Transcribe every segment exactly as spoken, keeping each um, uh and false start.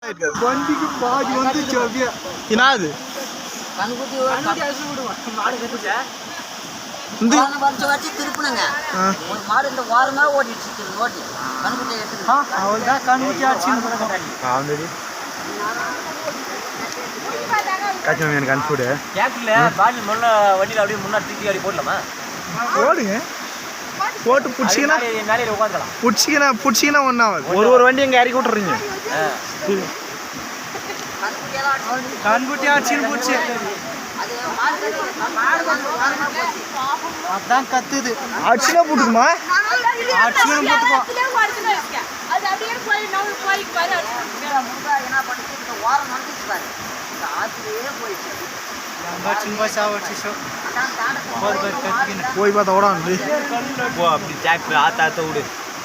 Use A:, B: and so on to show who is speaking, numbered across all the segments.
A: வண்டிக்கு பாதி வந்து சோபியா
B: என்னது
C: கண்குட்டி மாடு கட்டுச்சா
B: இந்த
C: வச்சு வச்சு திருப்பினுங்க ஒரு மாடு இந்த வாரமா ஓடிடுச்சு ஓட்டி கண்குட்டி எடுத்து
A: அவள் தான் கண்குட்டி ஆச்சு
B: ஆந்தடி காய்ச்சல் எனக்கு அனுப்பிவிடு
D: கேட்கல பாட்டில் முன்ன வண்டியில் அப்படியே முன்னாடி தூக்கி அப்படி போடலாமா
B: போடுங்க போட்டு பிடிச்சிங்கன்னா
D: மேலே உட்காந்துக்கலாம்
B: பிடிச்சிங்கன்னா பிடிச்சிங்கன்னா ஒன்றாவது ஒரு ஒரு வண்டி எங்கே இறக்கி விட்டுறீங்க
A: கண்குட்டி ஆச்சுன்னு போச்சு அதான் கத்துது
B: அடிச்சுனா போட்டுக்குமா
A: அடிச்சுனா போட்டுக்கோ
C: வாரம் வந்துச்சு பாரு ஆத்திலேயே போயிடுச்சு
B: போய் பார்த்தா கூட வந்து
D: போ அப்படி டிராக்டர் ஆத்தா ஆத்த விடு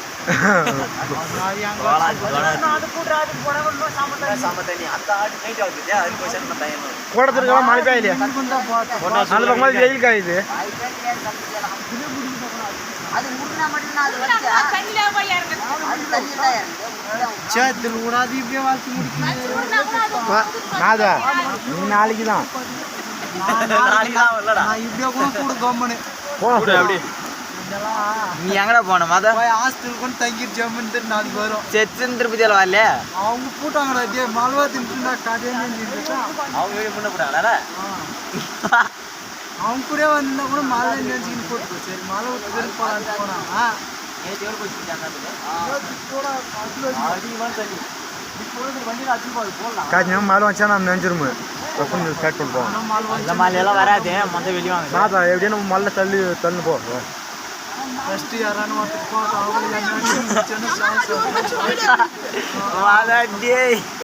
B: கூடத்திருக்கலாம் மழை பெய்யலையா நாலு பக்கம் மாதிரி வெயில் காயுது
C: அது முன்னா மட்டும்தான் அது
A: சேத்துல கூடாது இப்படியே வாழ்க்கை முடிக்கணும்
B: நாதா நீ நாளைக்கு தான்
A: நான் இப்படியே கூட கூட கம்மனு
D: அப்படி நீ எங்கடா போன மத
A: போய் ஹாஸ்டல் கொண்டு தங்கிட்டு ஜம்முன்னு நாளைக்கு வரும்
D: செச்சுன்னு திருப்பதியில் வரல
A: அவங்க போட்டாங்கடா டே மல்வா தின்னுட்டா கதையே
D: அவங்க வீடு முன்ன போட்டாங்களா
A: அவங்க கூட வந்தா கூட மழை நினைச்சுக்கின்னு போட்டு சரி மழை விட்டு போலான்னு போனாங்க
D: நேற்று எவ்வளோ போச்சு
B: காய்ச்சல் மழை வச்சா நம்ம நினைச்சிருமோ கொஞ்சம் ஸ்டார்ட் பண்ணுவோம்
D: இந்த மலையெல்லாம் வராது மொத்த வெளியே வாங்க
B: நாதா எப்படியும் நம்ம மழை தள்ளி தள்ளு போ
A: ஃபஸ்ட்டு யாரானு ஒருத்தர் போட்டோம் அவங்க
D: டேய்